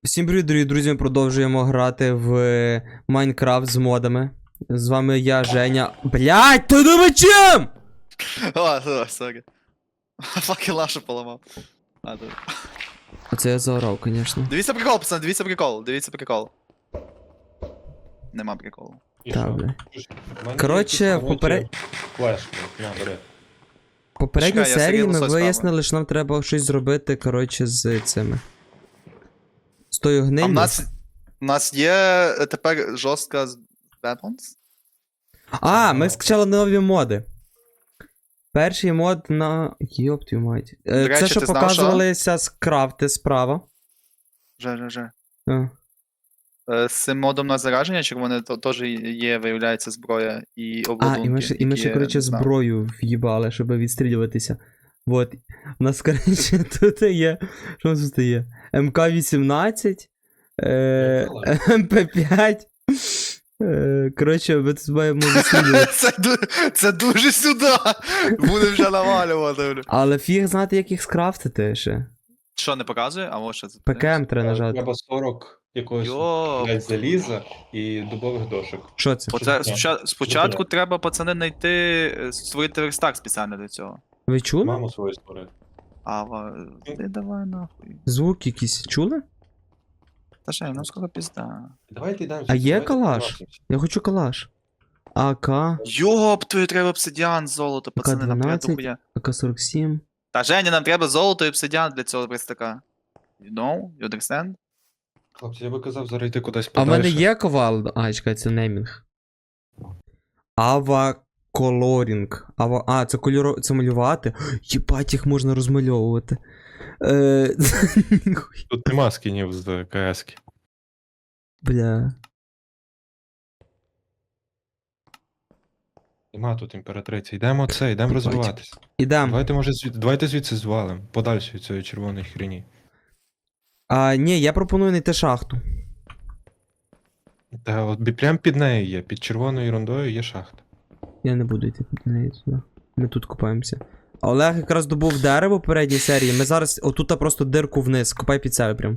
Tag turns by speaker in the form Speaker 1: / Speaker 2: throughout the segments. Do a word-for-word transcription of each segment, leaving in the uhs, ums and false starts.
Speaker 1: Всім привіт, дорогі друзі, ми продовжуємо грати в Майнкрафт з модами. З вами я, Женя. Блять, ти думаєш чим?
Speaker 2: О, о, сорі. Факи лашу поламав. А, тут.
Speaker 1: Оце я заорав, звісно.
Speaker 2: Дивіться прикол, пацан, дивіться прикол, дивіться прикол. Нема приколу.
Speaker 3: І
Speaker 1: Так,
Speaker 3: що?
Speaker 1: бля.
Speaker 3: В мене
Speaker 1: Коротше,
Speaker 3: є
Speaker 1: в поперед-
Speaker 3: флешки, на, бери.
Speaker 1: В попередній
Speaker 2: Чекай, я
Speaker 1: серії
Speaker 2: Сергій
Speaker 1: ми
Speaker 2: Лосось
Speaker 1: вияснили, що нам треба щось зробити, коротше, з цими. З тою
Speaker 2: А
Speaker 1: гнилью.
Speaker 2: в нас, в нас є е, тепер жорстка з weapons?
Speaker 1: А, ми скачали нові моди. Перший мод на. Йоп твою мать. Е,
Speaker 2: До речі,
Speaker 1: Це, що
Speaker 2: ти знав,
Speaker 1: показувалися скрафти справа.
Speaker 2: Же, же, же.
Speaker 1: А.
Speaker 2: Е, З цим модом на зараження червоне то- теж є, виявляється, зброя і
Speaker 1: А,
Speaker 2: обладунки.
Speaker 1: і ми ще, і ми ще
Speaker 2: які
Speaker 1: коротше,
Speaker 2: я не знав.
Speaker 1: зброю в'їбали, щоб відстрілюватися. Вот. У нас, коротше, тут є. Що у нас тут є? ем ка вісімнадцять, е, ем пе п'ять. Е, коротше, ми тут маємо відстрілювати.
Speaker 2: Це, ду- це дуже сюди! Буде вже навалювати. бля.
Speaker 1: Але фіг знати, як їх скрафтити ще.
Speaker 2: Що, не показує? А може це.
Speaker 1: пе ка ем треба нажати.
Speaker 3: Треба сорок якогось
Speaker 2: Йоп.
Speaker 3: блядь, заліза і дубових дошок.
Speaker 1: Що це?
Speaker 2: Оце
Speaker 3: таке?
Speaker 2: спочатку, спочатку треба, пацани, знайти, е, створити верстак спеціально для цього.
Speaker 1: Ви чули?
Speaker 3: Маму свою створити.
Speaker 2: А, ва- ти давай нахуй.
Speaker 1: Звук якийсь чули?
Speaker 2: Та ще, ну скоро пізда.
Speaker 3: Давайте йдемо.
Speaker 1: А є
Speaker 3: давайте
Speaker 1: калаш?
Speaker 3: побачимось.
Speaker 1: Я хочу калаш. АК,
Speaker 2: Йоп, тобі треба обсидіан, золото, пацани, нам треба
Speaker 1: дванадцять.
Speaker 2: дохуя.
Speaker 1: а ка сорок сім.
Speaker 2: Та Женя, нам треба золото і обсидіан для цього верстака. You know? You understand?
Speaker 3: Хлопці, я би казав зараз йти кудись
Speaker 1: А в мене
Speaker 3: подальше.
Speaker 1: є ковал. А, чекай, це неймінг. Ава колорінг. Ава... А, це кольоро... це малювати. Єбать, їх можна розмальовувати. Е...
Speaker 3: Тут нема скінів з КС-ки.
Speaker 1: Бля.
Speaker 3: Нема тут імператриці. Йдемо це, йдемо розвиватись.
Speaker 1: Ідем.
Speaker 3: Давайте, може, звід... давайте звідси звалим. Подальше від цієї червоної хрені.
Speaker 1: А, ні, я пропоную знайти шахту.
Speaker 3: Та от бі- прям під нею є, під червоною ерундою є шахта.
Speaker 1: Я не буду йти під неї туди. Ми тут копаємося. А Олег якраз добув дерево в попередній серії. Ми зараз отут просто дирку вниз. Копай під себе прям.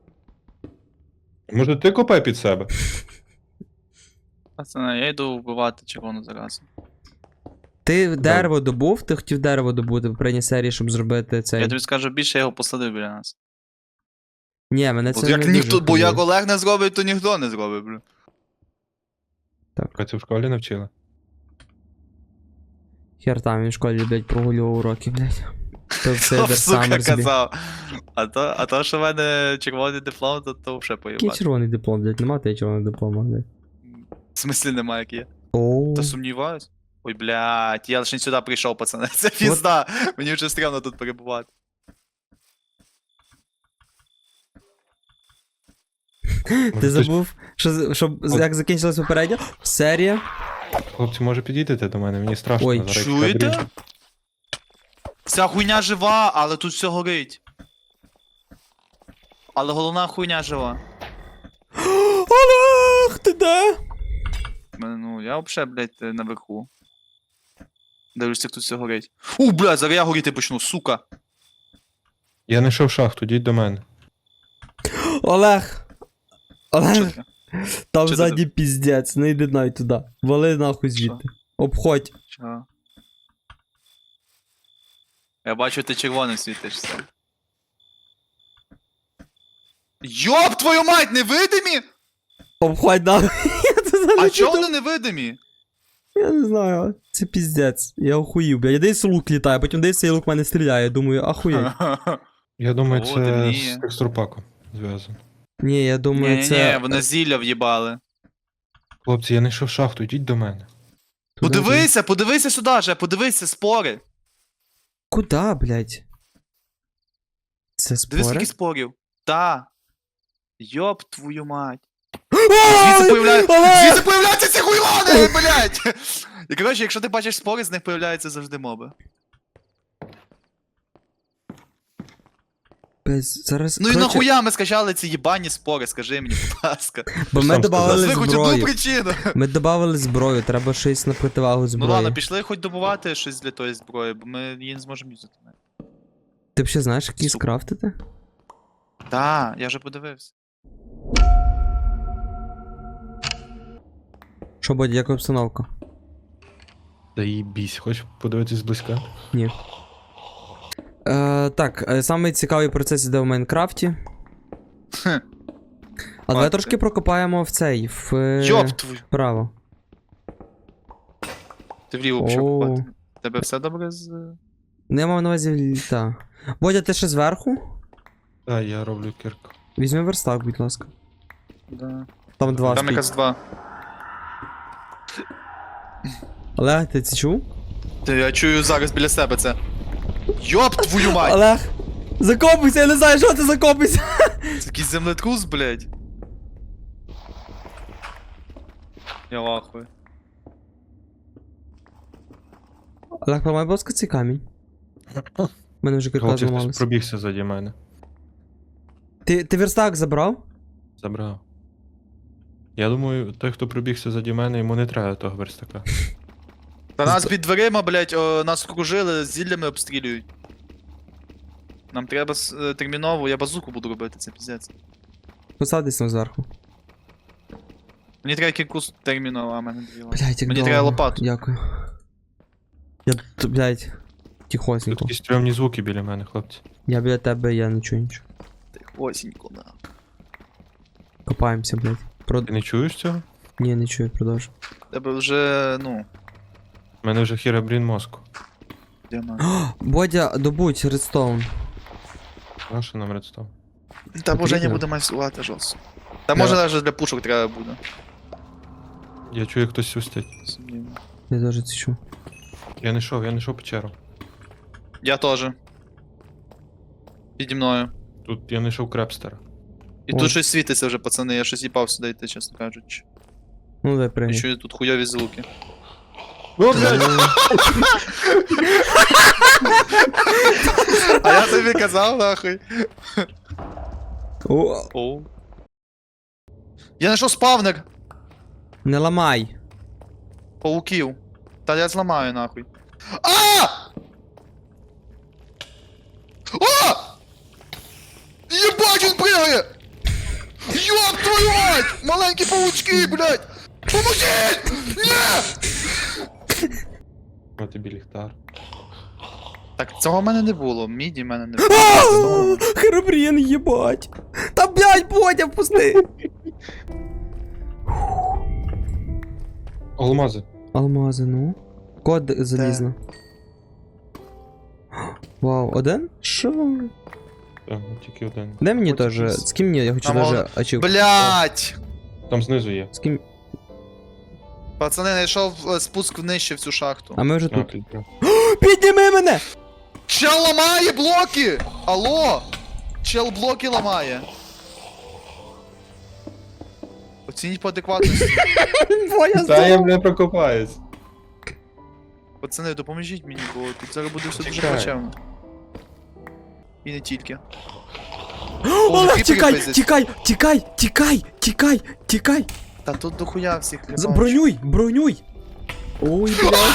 Speaker 3: Може ти копай під себе?
Speaker 2: Пацани, я йду вбивати червону заразу.
Speaker 1: Ти дерево добув? Ти хотів дерево добути в попередній серії, щоб зробити цей.
Speaker 2: Я тобі скажу більше, я його посадив біля нас.
Speaker 1: Ні, мене
Speaker 2: Бо
Speaker 1: це
Speaker 2: як,
Speaker 1: не
Speaker 2: ніхто,
Speaker 1: дуже
Speaker 2: бо як
Speaker 1: хвилює.
Speaker 2: Олег не зробить, то ніхто не зробить, бля.
Speaker 3: А це в школі навчила?
Speaker 1: Хер там він в школі, блядь, прогулював уроки, блядь. То все
Speaker 2: Хто,
Speaker 1: Дер
Speaker 2: сука,
Speaker 1: Саммерсбі.
Speaker 2: казав. А то, а то, що в мене червоний диплом, то, то вже
Speaker 1: Який
Speaker 2: поїбати.
Speaker 1: червоний диплом, блядь, нема тебе червоного диплома, блядь.
Speaker 2: В смислі немає, як є.
Speaker 1: Оу.
Speaker 2: Та сумніваюсь. Ой, блядь, я лише сюди прийшов, пацани. Це пізда. Мені вже стрімно тут перебувати.
Speaker 1: Ти забув, що, що як закінчилась попередня серія?
Speaker 3: Хлопці, може підійдете до мене? Мені страшно.
Speaker 1: Ой.
Speaker 3: зараз
Speaker 2: Чуєте?
Speaker 3: кадрі.
Speaker 2: Ця хуйня жива, але тут все горить. Але головна хуйня жива.
Speaker 1: Олег, ти де?
Speaker 2: Мене, Ну, я взагалі, блядь, наверху. Дивлюся, як тут все горить. У, блядь, зараз я горіти почну, сука.
Speaker 3: Я знайшов шахту, йдіть до мене.
Speaker 1: Олег!
Speaker 2: Що
Speaker 1: Олег,
Speaker 2: таке?
Speaker 1: там
Speaker 2: Що
Speaker 1: ззаді піздець, не йди навіть туди. Вали нахуй звідти. Обходь.
Speaker 2: Чого? Я бачу, ти червоним світишся. Йоп, твою мать, невидимі?
Speaker 1: Обходь нахуй. Я туди
Speaker 2: А
Speaker 1: не
Speaker 2: чого
Speaker 1: піду.
Speaker 2: вони невидимі?
Speaker 1: Я не знаю, це піздець. Я охуїв, блядь. Я десь лук літає, потім десь цей лук в мене стріляє. Думаю, ахуєть.
Speaker 3: Я думаю,
Speaker 2: О,
Speaker 3: це
Speaker 2: темніє.
Speaker 3: з текстурпаком зв'язано.
Speaker 1: Ні, я думаю,
Speaker 2: Ні-ні-ні,
Speaker 1: це...
Speaker 2: вони зілля в'їбали.
Speaker 3: Хлопці, я знайшов шахту, йдіть до мене.
Speaker 1: Туди-
Speaker 2: Подивися, подивися сюди же, подивися, спори.
Speaker 1: Куда, блядь? Це
Speaker 2: Дивись,
Speaker 1: спори?
Speaker 2: скільки спорів. Та. Йоп твою мать. Звідси появляє... Звідси появляються ці хуйлони, блядь! І коротше, якщо ти бачиш спори, з них появляються завжди моби.
Speaker 1: Без... Зараз...
Speaker 2: Ну і
Speaker 1: коротше,
Speaker 2: нахуя ми скачали ці їбані спори, скажи мені, будь ласка.
Speaker 1: Бо ми
Speaker 3: сам
Speaker 1: добавили
Speaker 2: Назви хоч одну
Speaker 1: зброю.
Speaker 2: причину.
Speaker 1: Ми добавили зброю, треба щось на противагу
Speaker 2: Ну
Speaker 1: зброї.
Speaker 2: ладно, пішли хоч добувати щось для тої зброї, бо ми її не зможемо юзати.
Speaker 1: Ти взагалі знаєш, як її
Speaker 2: Сука.
Speaker 1: скрафтити?
Speaker 2: Та, я вже подивився.
Speaker 1: Що буде, яка обстановка?
Speaker 3: Да їбісь, хочеш подивитись зблизька?
Speaker 1: Ні. Е, так, е, самий цікавий процес іде в Майнкрафті.
Speaker 2: Хм.
Speaker 1: А давай
Speaker 2: Мати.
Speaker 1: трошки прокопаємо в цей, в... е,
Speaker 2: Йоп твою.
Speaker 1: Вправо.
Speaker 2: Ти вліво почав
Speaker 1: О.
Speaker 2: купати. Тебе все добре з.
Speaker 1: Не мав на увазі, та. Бодя, ти ще зверху?
Speaker 3: Так, я роблю кірку.
Speaker 1: Візьми верстак, будь ласка.
Speaker 2: Да.
Speaker 1: Там два
Speaker 2: Там
Speaker 1: стоїть.
Speaker 2: якраз два.
Speaker 1: Олег, ти це чув?
Speaker 2: Ти, я чую зараз біля себе це. Йоп твою мать!
Speaker 1: Олег! Закопуйся, я не знаю, що ти закопуйся!
Speaker 2: Це якийсь землетрус, блядь. Я лахую.
Speaker 1: Олег, поламай, будь ласка, цей камінь. У мене вже кілька
Speaker 3: Хлопці, хтось
Speaker 1: зламалося.
Speaker 3: пробігся заді мене.
Speaker 1: Ти, ти верстак забрав?
Speaker 3: Забрав. Я думаю, той, хто пробігся заді мене, йому не треба того верстака.
Speaker 2: Та нас
Speaker 1: З-
Speaker 2: під дверима, блядь, о, нас окружили, зіллями обстрілюють. Нам треба с- е, терміново, я базуку буду робити, це піздець.
Speaker 1: Посадись там зверху.
Speaker 2: Мені треба кількус терміново, а в мене дві лапи.
Speaker 1: Блять, як
Speaker 2: Мені
Speaker 1: довго.
Speaker 2: треба лопату.
Speaker 1: Дякую. Я, т- блять,
Speaker 3: Тут
Speaker 1: тихосенько.
Speaker 3: якісь стрьомні звуки біля мене, хлопці.
Speaker 1: Я біля тебе, я не чую нічого.
Speaker 2: Тихосенько, да.
Speaker 1: Копаємося, блять. Про...
Speaker 3: Ти не чуєш цього?
Speaker 1: Ні, не чую, продовжу.
Speaker 2: Тебе вже, ну,
Speaker 3: У мене вже хірабрін мозку.
Speaker 2: діамант.
Speaker 1: Бодя, добудь редстоун.
Speaker 3: Наша нам редстон.
Speaker 2: Та боже, не
Speaker 1: Потрібно?
Speaker 2: буде майсувати жорстко. Та
Speaker 1: Да.
Speaker 2: може навіть для пушок треба буде.
Speaker 3: Я чую, як хтось свистить.
Speaker 2: Сумнівно.
Speaker 1: Я дуже це чую.
Speaker 3: Я не йшов, я не йшов печеру.
Speaker 2: Я теж. Піді мною.
Speaker 3: Тут я не йшов крепстера.
Speaker 2: І
Speaker 1: Ой.
Speaker 2: тут щось світиться вже, пацани, я щось їбав сюди йти, чесно кажучи.
Speaker 1: Ну, дай
Speaker 2: Я
Speaker 1: пригай.
Speaker 2: чую тут хуйові звуки.
Speaker 3: О, блядь!
Speaker 2: А я тобі казав, нахуй.
Speaker 1: О,
Speaker 2: Оу. Я знайшов спавнер
Speaker 1: не ламай.
Speaker 2: пауків. Та я зламаю нахуй. А! А! Єбать, він пригає! Йоп твою мать! Маленькі паучки, блядь! Поможіть! Ні!
Speaker 3: О, тобі ліхтар.
Speaker 2: Так, цього в мене не було, міді в мене не було.
Speaker 1: Херобрін, їбать. Та блять, Бодя, впусти.
Speaker 3: Алмази.
Speaker 1: Алмази, ну. Код залізно. Вау, один? Що?
Speaker 3: Так, тільки один.
Speaker 1: Дай мені
Speaker 2: Хоч
Speaker 1: теж.
Speaker 2: якийсь.
Speaker 1: З ким мені? Я хочу
Speaker 2: Там
Speaker 1: даже
Speaker 2: мало-
Speaker 1: ачівку.
Speaker 2: Блять!
Speaker 3: Там знизу є.
Speaker 1: З ким?
Speaker 2: Пацани, знайшов е, спуск внище в цю шахту.
Speaker 1: А ми вже
Speaker 3: А,
Speaker 1: тут.
Speaker 3: кілька.
Speaker 1: Підніми мене!
Speaker 2: Чел ламає блоки! Алло! Чел блоки ламає. Оцініть по адекватності.
Speaker 1: Боя
Speaker 3: Та я,
Speaker 1: здоров.
Speaker 3: бля, прокопаюсь.
Speaker 2: Пацани, допоможіть мені, бо тут зараз буде все дуже
Speaker 3: Чекай.
Speaker 2: плачевно. І не тільки.
Speaker 1: Олег,
Speaker 2: кріпери
Speaker 1: тікай,
Speaker 2: пиздять.
Speaker 1: тікай, тікай, тікай, тікай, тікай.
Speaker 2: Та тут дохуя всіх
Speaker 1: З-
Speaker 2: кріпачів.
Speaker 1: Бронюй, бронюй. Ой, блядь.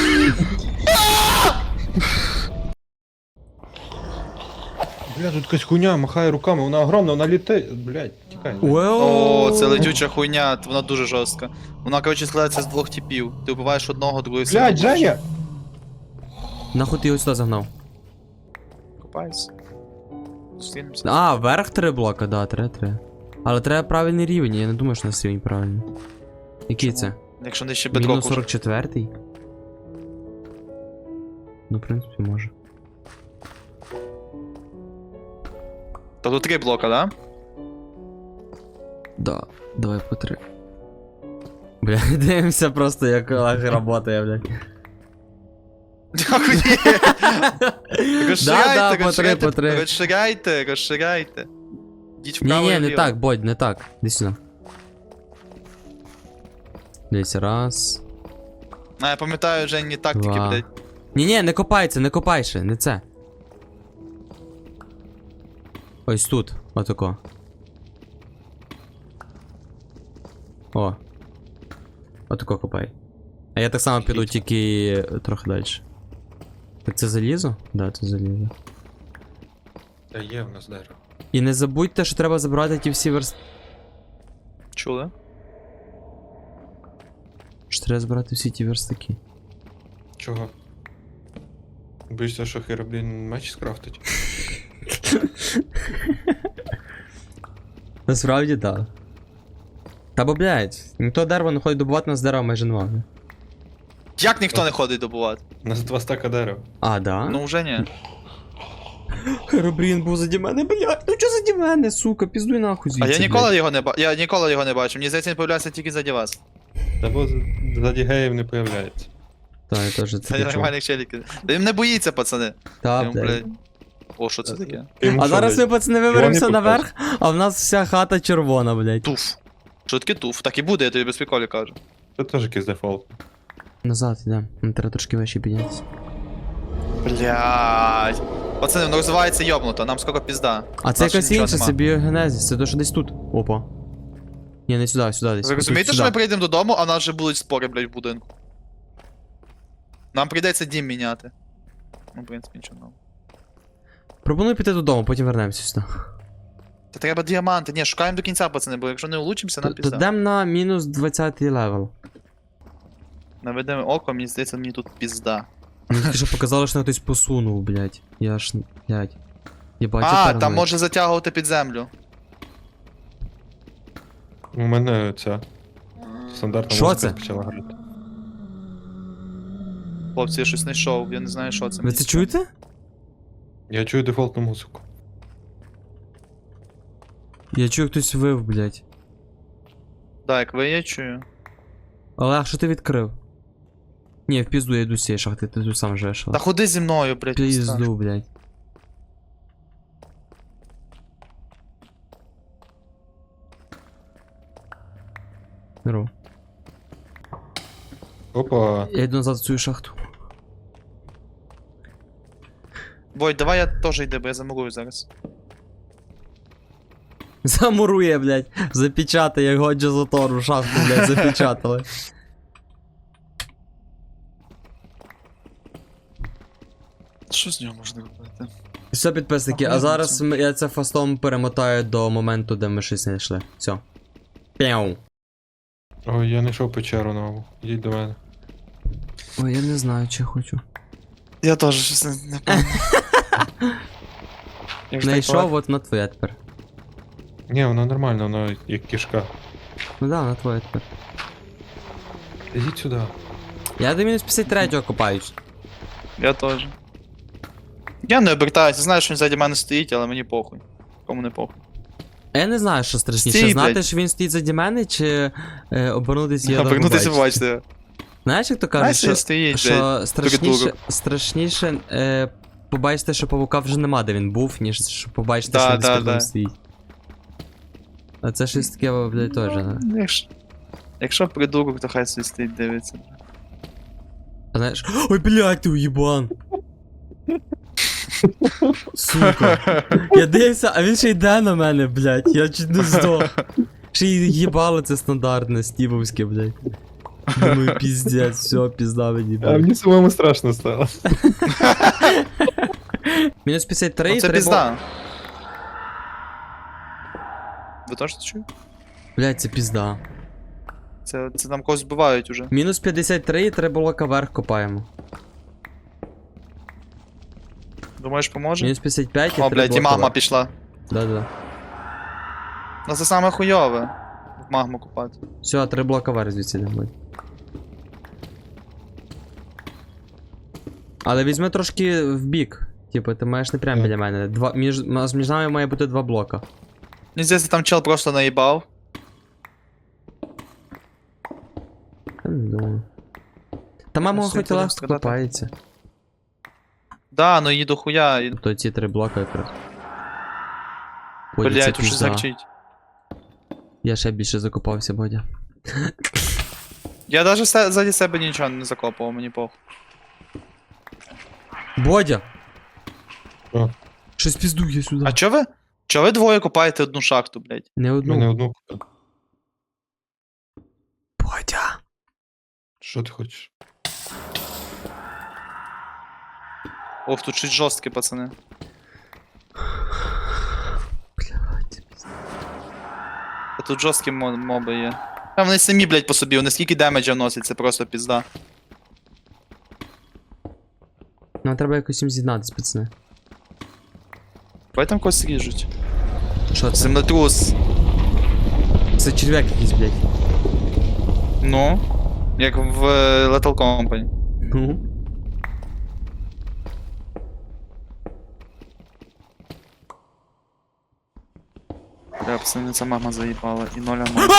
Speaker 3: Бля, тут якась хуйня махає руками, вона огромна, вона літає. Блядь, тікай.
Speaker 2: О, це летюча хуйня, вона дуже жорстка. Вона, коротше, складається з двох типів. Ти вбиваєш одного, другий
Speaker 3: Блядь, Женя!
Speaker 1: Нахуй ти його сюди загнав?
Speaker 2: Копайся. Зустрінемося.
Speaker 1: А, вверх три блока, да, три, три. Але треба правильний рівень, я не думаю, що у нас рівень правильний. Який
Speaker 2: Чому?
Speaker 1: це?
Speaker 2: Якщо не ще
Speaker 1: Мінус
Speaker 2: бедрок уже.
Speaker 1: сорок четвертий? Ну, в принципі, може.
Speaker 2: То тут три блока, да?
Speaker 1: Да, давай по три. Бля, дивимося просто, як Олег работає, блядь.
Speaker 2: Дякую.
Speaker 1: Да,
Speaker 2: Розширяйте,
Speaker 1: да, по три,
Speaker 2: розширяйте,
Speaker 1: по три.
Speaker 2: розширяйте, розширяйте. Йдіть
Speaker 1: Ні,
Speaker 2: вправо і
Speaker 1: ні, не
Speaker 2: вліво.
Speaker 1: так, Бодь, не так. Іди сюди. Десь раз.
Speaker 2: А, я пам'ятаю Жені тактики,
Speaker 1: Два.
Speaker 2: блядь.
Speaker 1: Ні, ні, не копай це, не копай ще, не це. Ось тут, отако. О. Отако копай. А я так само піду, тільки трохи далі. Так це залізо? Да, це залізо.
Speaker 3: Та є в нас дерево.
Speaker 1: І не забудьте, що треба забрати ті всі верст...
Speaker 2: Чули?
Speaker 1: Що треба збирати всі ті верстаки.
Speaker 3: Чого? Боїшся, що Хероблін меч скрафтить?
Speaker 1: Насправді так. Та бо, блядь, ніхто дерево не ходить добувати, нас дерева майже немає.
Speaker 2: Як ніхто не ходить добувати?
Speaker 3: У нас два стака дерев.
Speaker 1: А, да?
Speaker 2: Ну вже ні.
Speaker 1: Херобрін був заді мене, блядь. Ну чо заді мене, сука, піздуй нахуй
Speaker 2: А
Speaker 1: звідси,
Speaker 2: я
Speaker 1: блядь.
Speaker 2: ніколи його не ба... Я ніколи його не бачу. Мені здається, він появляється тільки заді вас.
Speaker 3: Та бо з- заді геїв не появляється.
Speaker 1: Та, я теж це
Speaker 2: Це
Speaker 1: почув.
Speaker 2: нормальних челіків. Та він не боїться, пацани.
Speaker 1: Та,
Speaker 2: Йому,
Speaker 1: блядь.
Speaker 2: блядь. О, що це таке?
Speaker 3: Йому
Speaker 1: А
Speaker 3: що,
Speaker 1: зараз
Speaker 3: блядь,
Speaker 1: ми, пацани,
Speaker 3: Вони
Speaker 1: виберемося
Speaker 3: покажуть.
Speaker 1: наверх, а в нас вся хата червона, блядь.
Speaker 2: Туф. Що таке туф? Так і буде, я тобі без приколів кажу.
Speaker 3: Це теж якийсь дефолт.
Speaker 1: Назад йдемо, нам треба трошки вище піднятися.
Speaker 2: Блядь. Пацани, воно розвивається йобнуто, нам скоро пізда.
Speaker 1: А це
Speaker 2: Нас
Speaker 1: якась
Speaker 2: нічого
Speaker 1: інша,
Speaker 2: нема.
Speaker 1: це біогенезіс, це то, що десь тут. Опа. Ні, не сюди, сюди десь.
Speaker 2: Ви розумієте,
Speaker 1: Тут,
Speaker 2: що ми
Speaker 1: сюди.
Speaker 2: прийдемо додому, а нас вже будуть спори, блядь, в будинку. Нам прийдеться дім міняти. Ну, в принципі, нічого нового.
Speaker 1: Пропоную піти додому, потім вернемося сюди.
Speaker 2: Та треба діаманти. Ні, шукаємо до кінця, пацани, бо якщо не улучимося, нам
Speaker 1: Т-
Speaker 2: пізда.
Speaker 1: Дем на мінус двадцятий левел.
Speaker 2: Наведемо око, мені здається, мені тут пізда.
Speaker 1: Мені тільки що показало, що на хтось посунув, блядь. Я ж, блядь. Єбать, я
Speaker 2: А, там
Speaker 1: параноїк.
Speaker 2: може затягувати під землю.
Speaker 3: У мене ця стандартна
Speaker 1: Що
Speaker 3: музика
Speaker 1: це?
Speaker 3: почала грати.
Speaker 2: Хлопці, я щось знайшов, я не знаю, що це.
Speaker 1: Ви
Speaker 2: мені
Speaker 1: це
Speaker 2: цікаво.
Speaker 1: чуєте?
Speaker 3: Я чую дефолтну музику.
Speaker 1: Я чую, хтось вив, блядь.
Speaker 2: Да, як ви, я чую.
Speaker 1: Олег, що ти відкрив? Ні, в пізду я йду з цієї шахти, ти тут сам живеш.
Speaker 2: Та ходи зі мною, блядь. пізда.
Speaker 1: Пізду, блядь. Беру.
Speaker 3: Опа.
Speaker 1: Я йду назад в цю шахту.
Speaker 2: Бой, давай я теж йду, бо я замурую зараз.
Speaker 1: Замурує, блядь. Запечатає, як Годжа Затору шахту, блядь, запечатали.
Speaker 2: Що з нього можна робити?
Speaker 1: Все, підписники, а
Speaker 2: Охуєнно
Speaker 1: зараз
Speaker 2: це.
Speaker 1: ми- я це фастом перемотаю до моменту, де ми щось знайшли. Все. Пяу.
Speaker 3: Ой, я знайшов печеру нову. Йдіть до мене.
Speaker 1: Ой, я не знаю, чи хочу.
Speaker 2: Я теж щось не, не пам'ятаю. Я ж так
Speaker 1: Знайшов, от на твоє тепер.
Speaker 3: Ні, воно нормально, воно як кішка.
Speaker 1: Ну да, на твоє тепер.
Speaker 3: Ідіть сюди.
Speaker 1: Я до мінус п'ятдесят третього копаюсь.
Speaker 2: Я теж. Я не обертаюся, знаю, що він ззаді мене стоїть, але мені похуй. Кому не похуй.
Speaker 1: А я не знаю, що страшніше,
Speaker 2: Стій,
Speaker 1: знати,
Speaker 2: блядь.
Speaker 1: що він стоїть заді мене, чи е, обернутися і його
Speaker 2: Повернутися
Speaker 1: побачити.
Speaker 2: побачити.
Speaker 1: Знаєш, як то кажуть,
Speaker 2: Знаєш,
Speaker 1: що,
Speaker 2: він стоїть, блядь.
Speaker 1: що страшніше,
Speaker 2: придурок.
Speaker 1: страшніше е, побачити, що павука вже нема, де він був, ніж що побачити,
Speaker 2: Да,
Speaker 1: що він десь
Speaker 2: да,
Speaker 1: перед ним
Speaker 2: да.
Speaker 1: стоїть. А це щось таке, блядь, теж, да?
Speaker 2: Ну, Якщо, якщо придурок, то хай собі стоїть дивиться.
Speaker 1: А знаєш, ой, блядь, ти уєбан! Сука. Я дивився, а він ще йде на мене, блядь, я чуть не здох. Ще й їбало це стандартне, стівовське, блядь. Думаю, піздець, все, пізда мені, блядь.
Speaker 3: мені самому страшно стало.
Speaker 1: Мінус п'ятдесят три,
Speaker 2: Ну, це
Speaker 1: треба...
Speaker 2: пізда. Ви теж це чуєте?
Speaker 1: Блядь, це пізда.
Speaker 2: Це, це там когось вбивають уже.
Speaker 1: Мінус п'ятдесят три, і три блока вверх копаємо.
Speaker 2: Думаєш, поможе?
Speaker 1: Мінус п'ятдесят п'ять, і
Speaker 2: О,
Speaker 1: три
Speaker 2: блядь, і
Speaker 1: блока
Speaker 2: магма
Speaker 1: вверх.
Speaker 2: пішла.
Speaker 1: Да-да.
Speaker 2: Ну це саме хуйове. В магму купати.
Speaker 1: Все, три блока вверх звідси не буде. Але візьми трошки в бік. Типу, ти маєш не прямо
Speaker 3: Так.
Speaker 1: біля мене. Два, між, між нами має бути два блока.
Speaker 2: Мені здається, там чел просто наїбав.
Speaker 1: Я не думаю. Та мама
Speaker 2: Ну,
Speaker 1: хоч
Speaker 2: світло
Speaker 1: легко
Speaker 2: страдати.
Speaker 1: копається.
Speaker 2: Да, ну її до хуя. і-
Speaker 1: Тобто ці три блока якраз. Бодя, це
Speaker 2: Блядь, тут щось
Speaker 1: пізда.
Speaker 2: закчить.
Speaker 1: Я ще більше закопався, Бодя.
Speaker 2: Я даже се- ззаді себе нічого не закопував, мені похуй.
Speaker 1: Бодя!
Speaker 3: Що?
Speaker 1: Щось піздує сюди.
Speaker 2: А чо ви? Чо ви двоє копаєте одну шахту, блядь?
Speaker 1: Не одну.
Speaker 3: Мене одну купив.
Speaker 1: Бодя!
Speaker 3: Що ти хочеш?
Speaker 2: Ох, тут щось жорстке, пацани.
Speaker 1: Блядь.
Speaker 2: А тут жорсткі мо- моби є. А вони самі, блядь, по собі, вони скільки демеджа вносять, це просто пізда.
Speaker 1: Нам треба якось їм з'єднатись, пацани.
Speaker 2: Давай там когось ріжуть.
Speaker 1: Що це?
Speaker 2: Землетрус.
Speaker 1: Це черв'як якийсь, блядь.
Speaker 2: Ну. Як в е, Lethal Company.
Speaker 1: Ну.
Speaker 2: Бля, пацани, ця мама заїбала. І ноля мама.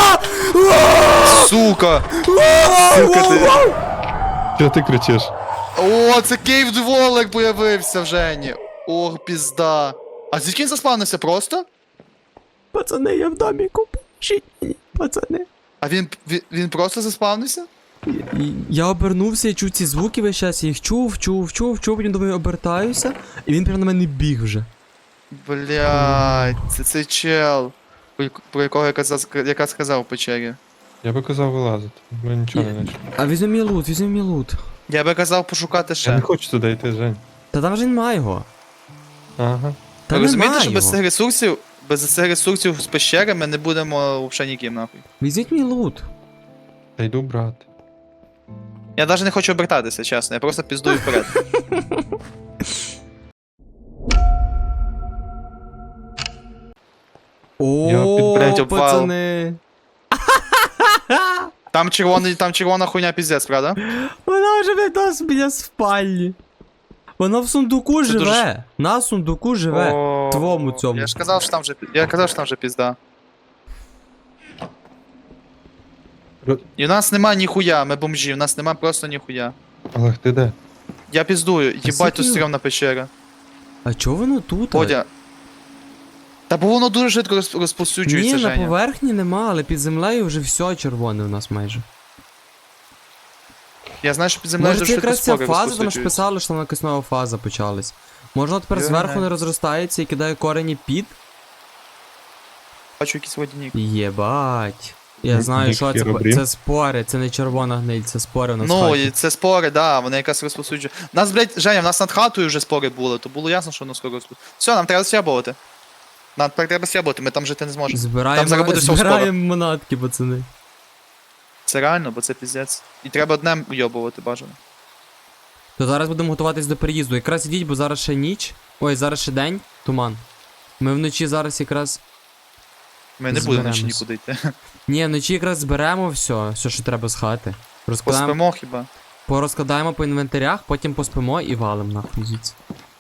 Speaker 2: Сука! Сука ти.
Speaker 3: Чого ти кричиш?
Speaker 2: О, це Кейв Дволик появився в Жені. Ох, пізда. А звідки він заспавнився просто?
Speaker 1: Пацани, я в доміку, поможіть мені, пацани.
Speaker 2: А він, він, він просто заспавнився?
Speaker 1: І- Я обернувся, я чув ці звуки весь час, я їх чув, чув, чув, чув, потім думаю, обертаюся, і він прямо на мене біг вже.
Speaker 2: Блядь, це цей чел. Про, про якого я казав, яка сказав в печері.
Speaker 3: Я би казав вилазити. Ми нічого не знайшли.
Speaker 1: А візьми мій лут, візьми мій лут.
Speaker 2: Я би казав пошукати
Speaker 3: Я не
Speaker 2: ще.
Speaker 3: хочу туди йти, Жень.
Speaker 1: Та там вже немає його.
Speaker 3: Ага.
Speaker 1: Та
Speaker 2: Ви розумієте,
Speaker 1: немає
Speaker 2: що без
Speaker 1: його.
Speaker 2: цих ресурсів, без цих ресурсів з пещери ми не будемо взагалі ніким нахуй.
Speaker 1: Візьміть мій лут.
Speaker 3: Та йду брати.
Speaker 2: Я навіть не хочу обертатися, чесно, я просто піздую вперед.
Speaker 1: О,
Speaker 2: блядь, обвал.
Speaker 1: пацани.
Speaker 2: Там червоний, там червона хуйня піздець, правда?
Speaker 1: Вона вже від нас біля спальні. Вона в сундуку
Speaker 2: Це
Speaker 1: живе.
Speaker 2: дуже-
Speaker 1: На сундуку живе.
Speaker 2: О,
Speaker 1: твому цьому.
Speaker 2: Я ж казав, що там вже, я казав, що там вже пізда.
Speaker 3: Ро-
Speaker 2: І в нас нема ніхуя, ми бомжі, в нас нема просто ніхуя.
Speaker 3: Олег, ти де?
Speaker 2: Я піздую, їбать тут
Speaker 1: Сидів.
Speaker 2: стрьомна печера.
Speaker 1: А чого воно тут?
Speaker 2: Бодя. Та бо воно дуже швидко розп-
Speaker 1: Ні,
Speaker 2: розповсюджується,
Speaker 1: на
Speaker 2: Женя.
Speaker 1: поверхні нема, але під землею вже все червоне у нас майже.
Speaker 2: Я знаю, що під землею
Speaker 1: Може
Speaker 2: дуже
Speaker 1: це
Speaker 2: швидко
Speaker 1: якраз ця
Speaker 2: спори
Speaker 1: фаза, тому ж
Speaker 2: розповсюджуються.
Speaker 1: писали, що там якась нова фаза почалась. Може вона тепер
Speaker 2: Я
Speaker 1: зверху
Speaker 2: знаю.
Speaker 1: не розростається і кидає корені під?
Speaker 2: Бачу якийсь водяник.
Speaker 1: Єбать. Я
Speaker 3: Ні-
Speaker 1: знаю, що це,
Speaker 3: Хіробрін.
Speaker 1: це спори, це не червона гниль, це спори у нас в
Speaker 2: Ну,
Speaker 1: хаті.
Speaker 2: і це спори, да, вони якраз розповсюджують. Нас, блядь, Женя, в нас над хатою вже спори були, то було ясно, що воно скоро розповсюджується. Все, нам треба сябувати. Нам тепер треба сябувати, ми там жити не зможемо.
Speaker 1: Збираємо,
Speaker 2: Там зараз буде все
Speaker 1: збираємо манатки, пацани.
Speaker 2: Це реально, бо це піздець. І треба днем уйобувати бажано.
Speaker 1: То зараз будемо готуватись до переїзду. Якраз ідіть, бо зараз ще ніч. Ой, зараз ще день, туман. Ми вночі зараз якраз.
Speaker 2: Ми не будемо наче
Speaker 1: Зберемось.
Speaker 2: нікуди йти.
Speaker 1: Ні, вночі якраз зберемо все, все, що треба з хати. Розкладаємо,
Speaker 2: Поспимо хіба.
Speaker 1: порозкладаємо по інвентарях, потім поспимо і валим нахуй звідси.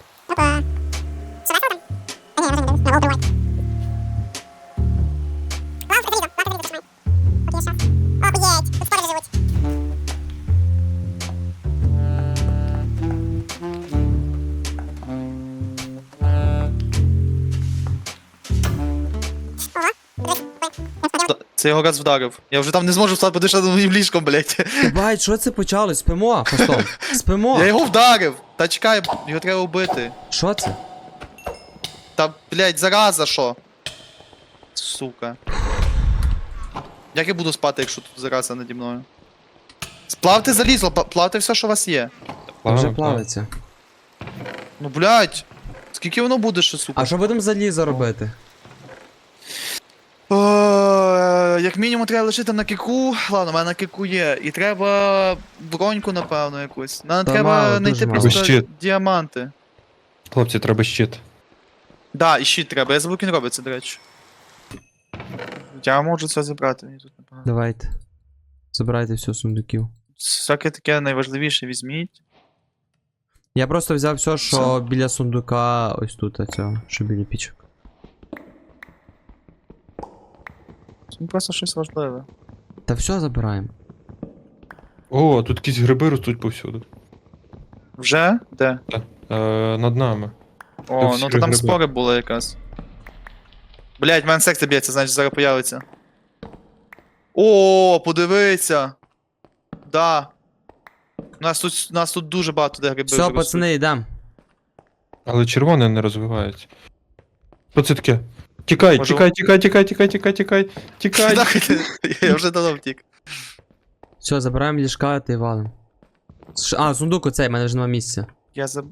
Speaker 2: Це його раз вдарив. Я вже там не зможу встати, подишати над моїм ліжком, блядь.
Speaker 1: Бать, що це почалось? Спимо, Фастом. Спимо.
Speaker 2: Я його вдарив! Та чекай, його треба вбити.
Speaker 1: Що це?
Speaker 2: Та, блядь, зараза, що? Сука. Як я буду спати, якщо тут зараза наді мною? Сплавте залізло, пла- плавте все, що у вас є.
Speaker 3: Плавно,
Speaker 1: Вже
Speaker 3: плавно.
Speaker 1: плавиться.
Speaker 2: Ну, блядь. Скільки воно буде ще, сука?
Speaker 1: А що будемо залізо робити?
Speaker 2: О, як мінімум треба лишити на кику. Ладно, у мене на кику є. І треба броньку, напевно, якусь. Нам
Speaker 1: Та
Speaker 2: треба
Speaker 1: мало,
Speaker 2: знайти
Speaker 1: дуже мало.
Speaker 2: просто
Speaker 3: Щит.
Speaker 2: діаманти.
Speaker 3: Хлопці, треба щит.
Speaker 2: Да, і щит треба. Я забув, як він робиться, до речі. Я можу це забрати. Мені тут непогано.
Speaker 1: Давайте. Забирайте все з сундуків.
Speaker 2: Всяке таке найважливіше візьміть.
Speaker 1: Я просто взяв все, що біля сундука, ось тут, оцього, що біля пічок.
Speaker 2: Це просто щось важливе.
Speaker 1: Та все забираємо.
Speaker 3: О, тут якісь гриби ростуть повсюду.
Speaker 2: Вже? Де?
Speaker 3: Е, над нами.
Speaker 2: О,
Speaker 3: всі
Speaker 2: ну то там
Speaker 3: гриби.
Speaker 2: спори були якраз. Блять, в мене секція б'ється, значить зараз появиться. О, подивися. Да. Нас тут, нас тут дуже багато де гриби.
Speaker 1: Все,
Speaker 2: вже
Speaker 1: пацани, йдемо.
Speaker 3: Але червоне не розвивається. Що це таке? Тікай,
Speaker 2: Може-
Speaker 3: тікай, тікай, тікай, тікай, тікай, тікай, тікай.
Speaker 2: ростуть. Я вже давно втік.
Speaker 1: Все, забираємо ліжка та й валим. Ш- А, сундук оцей, в мене вже нема місця.
Speaker 2: Я заб...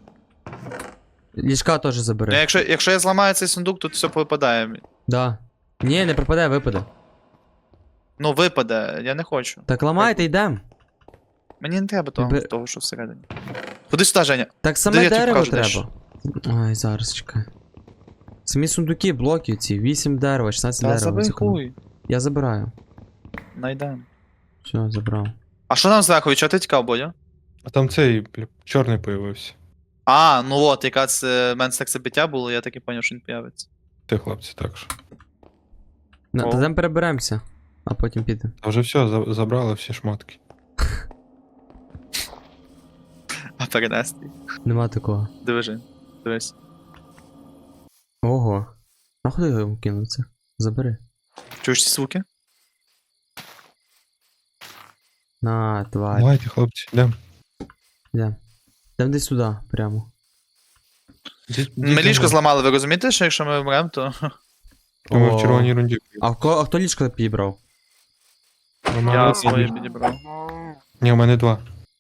Speaker 1: Ліжка теж
Speaker 2: Ну,
Speaker 1: забери.
Speaker 2: якщо, якщо я зламаю цей сундук, тут все попадає.
Speaker 1: Да. Ні, не пропаде, випаде.
Speaker 2: Ну, випаде, я не хочу.
Speaker 1: Так ламайте, йдем.
Speaker 2: Мені не треба того,
Speaker 1: Бе-
Speaker 2: того що всередині. Ходи сюди, Женя.
Speaker 1: Так
Speaker 2: Де
Speaker 1: саме
Speaker 2: я тобі
Speaker 1: дерево
Speaker 2: покажу, де ж?
Speaker 1: треба. Ай, зараз чекай. Самі сундуки, блоки ці, вісім дерева, шістнадцять
Speaker 2: Та
Speaker 1: дерева.
Speaker 2: забий
Speaker 1: зекономив.
Speaker 2: хуй.
Speaker 1: Я забираю.
Speaker 2: Найдем.
Speaker 1: Все, забрав.
Speaker 2: А що нам зверху? Від чого ти тікав, Бодя?
Speaker 3: А там цей бля, чорний появився.
Speaker 2: А, ну от, якраз е, в мене серцебиття було, я так і поняв, що він появиться.
Speaker 3: Ти, хлопці, так що.
Speaker 1: На,
Speaker 2: О.
Speaker 1: та там переберемося, а потім підемо.
Speaker 3: А вже все, за- забрали всі шмотки.
Speaker 2: А перенести.
Speaker 1: Нема такого.
Speaker 2: Диви, Жень. Дивись.
Speaker 1: Ого. Нахуй його кинув це? Забери.
Speaker 2: Чуєш ці звуки?
Speaker 1: На, тварь.
Speaker 3: Давайте, хлопці, йдемо.
Speaker 1: Йдем. Йдем десь сюди, прямо.
Speaker 2: Ми ліжко зламали, ви розумієте, що якщо ми вмремо, то
Speaker 3: Ми
Speaker 1: О.
Speaker 3: в червоній рунді.
Speaker 1: А, в ко... а хто ліжко підібрав?
Speaker 3: У мене
Speaker 2: я
Speaker 3: одне.
Speaker 2: своє підібрав.
Speaker 3: Ні, у мене два.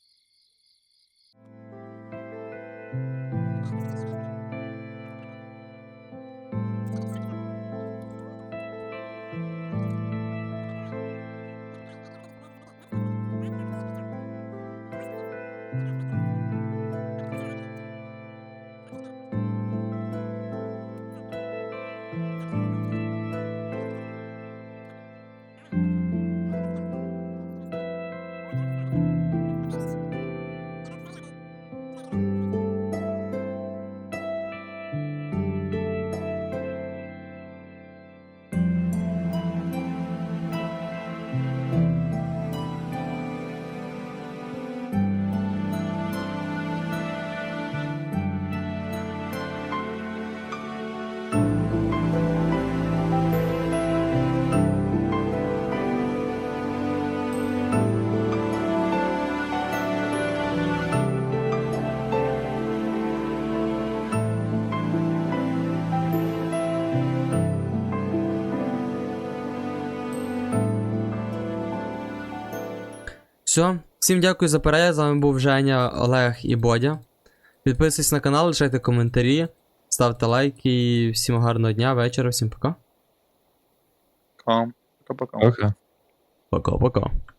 Speaker 1: Все, всім дякую за перегляд. З вами був Женя, Олег і Бодя. Підписуйтесь на канал, лишайте коментарі, ставте лайки. Всім гарного дня, вечора, всім пока.
Speaker 2: Кам. Пока-пока.
Speaker 3: Окей.
Speaker 1: Пока-пока.